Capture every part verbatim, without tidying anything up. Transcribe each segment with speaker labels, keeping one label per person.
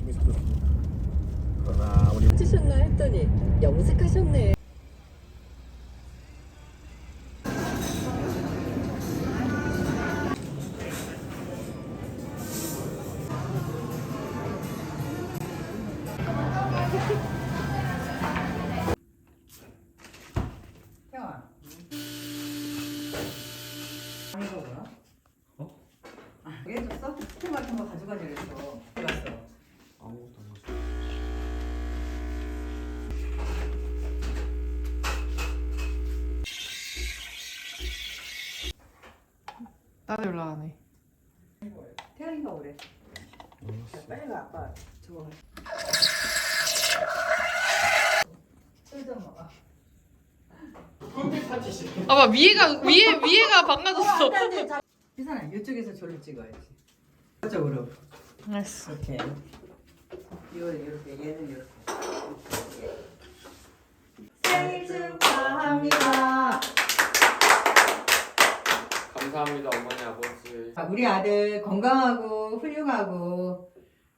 Speaker 1: 열심히 살았습니다. 그러나 우리
Speaker 2: 찍으셨나 했더니 염색하셨네.
Speaker 3: 태영아. 이거 뭐야?
Speaker 1: 어?
Speaker 3: 아, 왜 해줬어? 스프 같은 거 가져가자 그랬어. 갔어.
Speaker 1: 아무것도 안 먹었어.
Speaker 4: 나도 올라가네.
Speaker 3: 태영이가 오래. 자, 빨리 가 아빠. 저거. 술좀 먹어.
Speaker 4: 아빠 위에가 위에 위에가 망가졌어.
Speaker 3: 희선아 이쪽에서 저를 찍어야지. 이쪽으로.
Speaker 4: 알았어.
Speaker 3: 이렇게. 이거 이렇게 얘는 이렇게. 생일 축하합니다.
Speaker 5: 감사합니다 어머니 아버지.
Speaker 3: 아, 우리 아들 건강하고 훌륭하고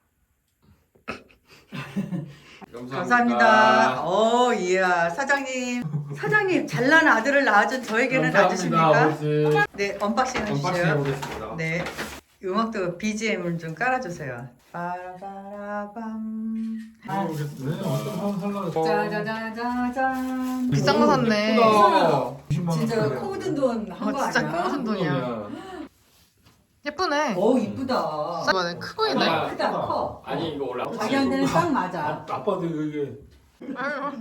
Speaker 3: 감사합니다. 어, 이야 사장님, 사장님 잘난 아들을 낳아준 저에게는 아저씨입니까?
Speaker 5: 아버지.
Speaker 3: 네, 언박싱
Speaker 5: 언박싱
Speaker 3: 해주시죠.
Speaker 5: 해보겠습니다.
Speaker 3: 네, 음악도 비지엠을 좀 깔아주세요. 빠라바라밤. 아,
Speaker 1: 모르겠네. 어떤 한 살라고.
Speaker 3: 짜자자자잔.
Speaker 4: 비싼 거 샀네.
Speaker 1: 이십만 원
Speaker 3: 진짜
Speaker 1: 그래요.
Speaker 3: 코 묻은 돈 한 거
Speaker 4: 어, 진짜
Speaker 3: 아니야?
Speaker 4: 코 묻은 돈이야. 예쁘네.
Speaker 3: 어, 이쁘다.
Speaker 4: 이번에 크고 있네.
Speaker 5: 아,
Speaker 3: 크다, 커.
Speaker 5: 아니 이거 원래
Speaker 3: 자기한테는 딱
Speaker 1: 아,
Speaker 3: 맞아.
Speaker 1: 아빠도 이게
Speaker 4: 아유.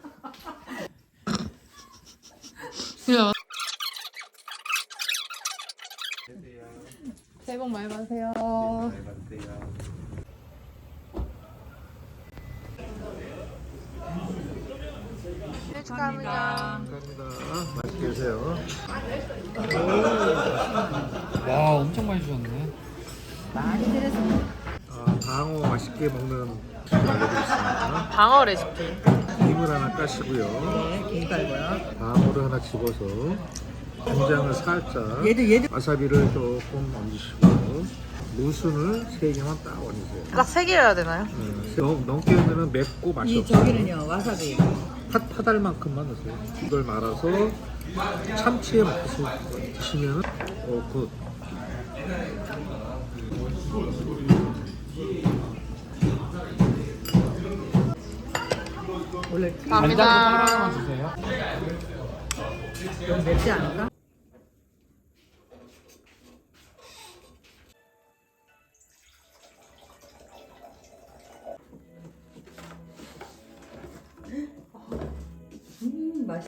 Speaker 4: 야. 새해 복 많이 받으세요. 네, 축하합니다.
Speaker 1: 감사합니다. 맛있게 드세요.
Speaker 5: 와 엄청 많이 주셨네.
Speaker 3: 많이 들었습니다.
Speaker 1: 아, 방어 맛있게 먹는 팁 알려드리겠습니다.
Speaker 4: 방어 레시피.
Speaker 1: 김을 하나 까시고요.
Speaker 3: 네, 김 깔고요.
Speaker 1: 방어를 하나 집어서 간장을 살짝,
Speaker 3: 얘도 얘도
Speaker 1: 와사비를 조금 얹으시고 무순을 세 개만 딱 얹으세요.
Speaker 4: 딱 세 개여야 되나요?
Speaker 1: 네, 너무 넘게 넣으면 맵고 맛이
Speaker 3: 이
Speaker 1: 없어요.
Speaker 3: 저기는요 와사비.
Speaker 1: 파, 파달만큼만 넣으세요. 이걸 말아서 참치에 먹듯이 드시면 어, 굿.
Speaker 3: 원래
Speaker 4: 감사합니다.
Speaker 5: 주세요.
Speaker 3: 좀 맵지 않을까? 음 맛있.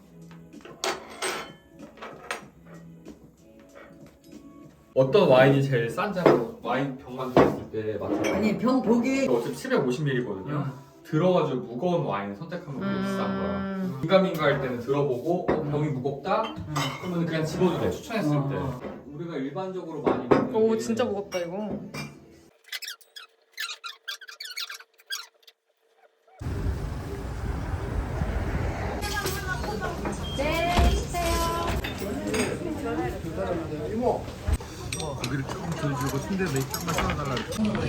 Speaker 5: 어떤 와인이 제일 싼지로 와인 병만 들었을 때 맞춰요.
Speaker 3: 아니 병 보기
Speaker 5: 어차피 칠백오십 밀리리터거든요. 들어가지고 무거운 와인 선택하면 그게 비싼 거야.
Speaker 4: 음.
Speaker 5: 민감민가 할 때는 들어보고 어, 병이 무겁다? 그러면 그냥 집어도 돼. 추천했을
Speaker 3: 어.
Speaker 5: 때. 우리가 일반적으로 많이 먹는
Speaker 4: 오
Speaker 5: 게
Speaker 4: 진짜 무겁다 이거.
Speaker 1: 고기를 조금 덜 주고 순대 몇 장만 썰어달라고.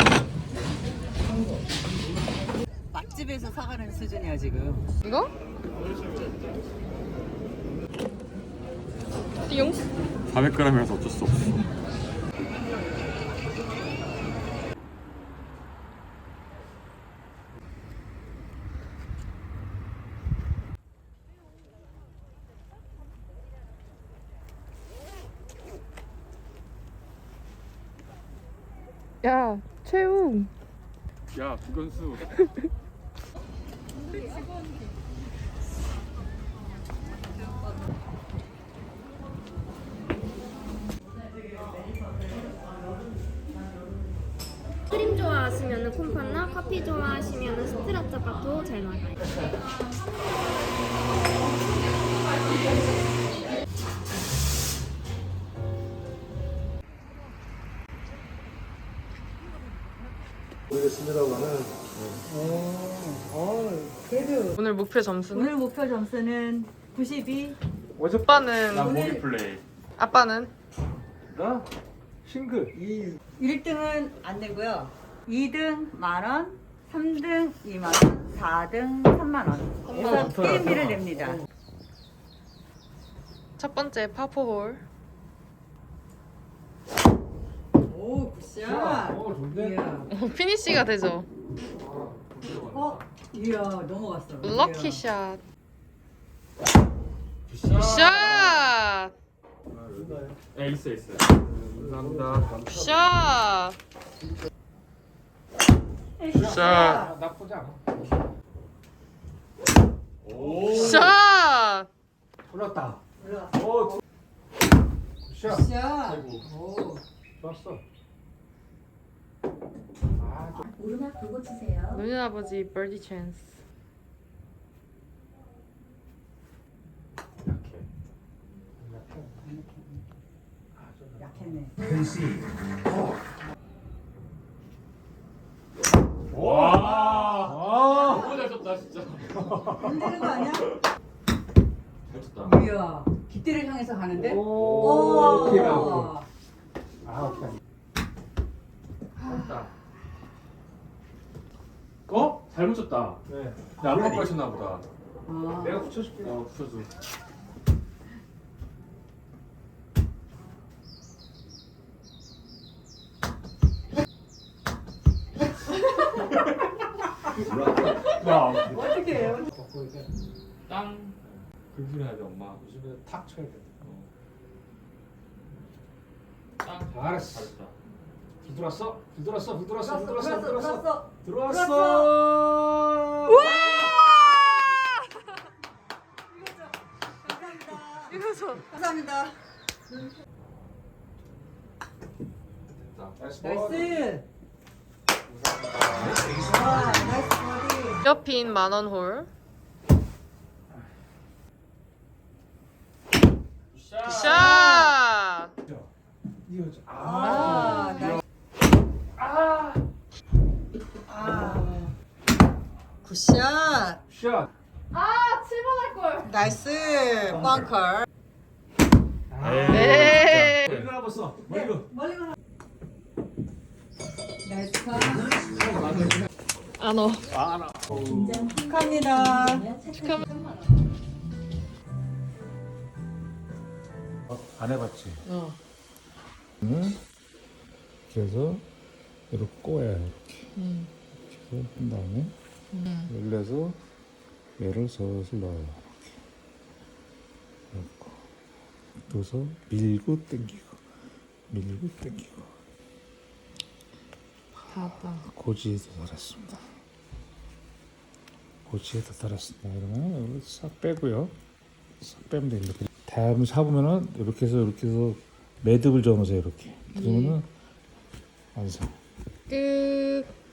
Speaker 3: 맛집에서 사가는 수준이야 지금.
Speaker 4: 이거? 띠용?
Speaker 5: 사백 그램이라서 어쩔 수 없어.
Speaker 4: 야 최우.
Speaker 5: 야 구건수.
Speaker 6: 크림 좋아하시면 콤파나 커피 좋아하시면 스트라짜파도 잘 나가요.
Speaker 1: 모르겠습니다고 하는
Speaker 3: 어, 그래도
Speaker 4: 오늘 목표 점수는?
Speaker 3: 오늘 목표 점수는 구십이.
Speaker 4: 오빠는
Speaker 5: 난 모기 플레이.
Speaker 4: 아빠는?
Speaker 1: 나 싱글 이
Speaker 3: 일 등은 안 되고요. 이 등 만 원, 삼 등 이만 원, 사 등 삼만 원. 그래서 게임비를 냅니다.
Speaker 4: 첫 번째 파포홀.
Speaker 3: 오, 굿샷.
Speaker 1: 어 좋은데?
Speaker 3: 이야.
Speaker 4: 피니쉬가 되죠.
Speaker 3: 어, 이야, 넘어갔어.
Speaker 4: 럭키 샷.
Speaker 5: 굿샷.
Speaker 4: 샷.
Speaker 5: 네, 있어 있어.
Speaker 1: 감사합니다.
Speaker 4: 샷. 샷.
Speaker 1: 아, 나쁘지 않아.
Speaker 5: 오.
Speaker 4: 샷.
Speaker 1: 올랐다.
Speaker 3: 올라왔어.
Speaker 1: 오, 굿샷.
Speaker 3: 굿샷.
Speaker 5: 아이고.
Speaker 3: 오.
Speaker 1: 좋았어. 아, 좀
Speaker 2: 오르막 보고 치세요.
Speaker 4: 노년 아버지 버디 찬스.
Speaker 5: 약해.
Speaker 3: 약했네.
Speaker 5: 와.
Speaker 1: 아,
Speaker 5: 너무 잘 쳤다 진짜.
Speaker 3: 흔드는 거 아니야?
Speaker 5: 잘 쳤다.
Speaker 3: 이야, 깃대를 향해서 가는데?
Speaker 1: 오, 오케이, 오케이.
Speaker 3: 오.
Speaker 1: 아, 오케이. 됐다. 어?
Speaker 5: 잘못 쳤다.
Speaker 1: 네.
Speaker 5: 나안 바꿔 쳤나 보다.
Speaker 3: 아.
Speaker 1: 내가 붙여줄게.
Speaker 5: 어, 붙여줘. 야,
Speaker 3: 어떻게 해요?
Speaker 1: 갖고 이제
Speaker 5: 땅. 긁으면 돼 엄마.
Speaker 1: 요즘에 탁 쳐야 돼.
Speaker 5: 어. 땅.
Speaker 1: 잘했어.
Speaker 5: 잘했다.
Speaker 1: 불 들어왔어? 불 들어왔어? 불 들어왔어? 불
Speaker 3: 들어왔어,
Speaker 1: 들어왔어?
Speaker 3: 들어왔어,
Speaker 1: 들어왔어?
Speaker 3: 들어왔어.
Speaker 1: 들어왔어?
Speaker 4: 이거죠.
Speaker 3: 감사합니다.
Speaker 5: 됐다.
Speaker 1: 나이스.
Speaker 3: 나이스. 와, 나이스 버디.
Speaker 4: 옆인 만원 홀.
Speaker 5: 굿샷.
Speaker 4: 샷.
Speaker 1: 이거
Speaker 3: 아,
Speaker 1: 아.
Speaker 3: 나이스.
Speaker 5: 아.
Speaker 3: 아. 굿샷.
Speaker 1: 샷.
Speaker 3: 나이스. 벙커.
Speaker 4: 네.
Speaker 1: 머리 가나 봤어. 머리 가.
Speaker 3: 멀리 가나. 나이스 컷.
Speaker 4: 안 어.
Speaker 1: 아, 나.
Speaker 3: 축하합니다.
Speaker 1: 안 해봤지?
Speaker 4: 어.
Speaker 1: 응? 그래서 이렇게 꼬야 이렇게.
Speaker 4: 음.
Speaker 1: 이렇게 해서 한 다음에
Speaker 4: 음.
Speaker 1: 열려서 얘를 슬슬 넣어요. 이렇게 넣고 넣어서 밀고 당기고 밀고 당기고
Speaker 4: 바다.
Speaker 1: 고지에도 달았습니다. 고지에도 달았습니다. 이러면 이걸 싹 빼고요. 싹 빼면 됩니다. 다음에 사보면은 이렇게 해서 이렇게 해서 매듭을 접으세요. 이렇게 그러면은 완성.
Speaker 4: 끝.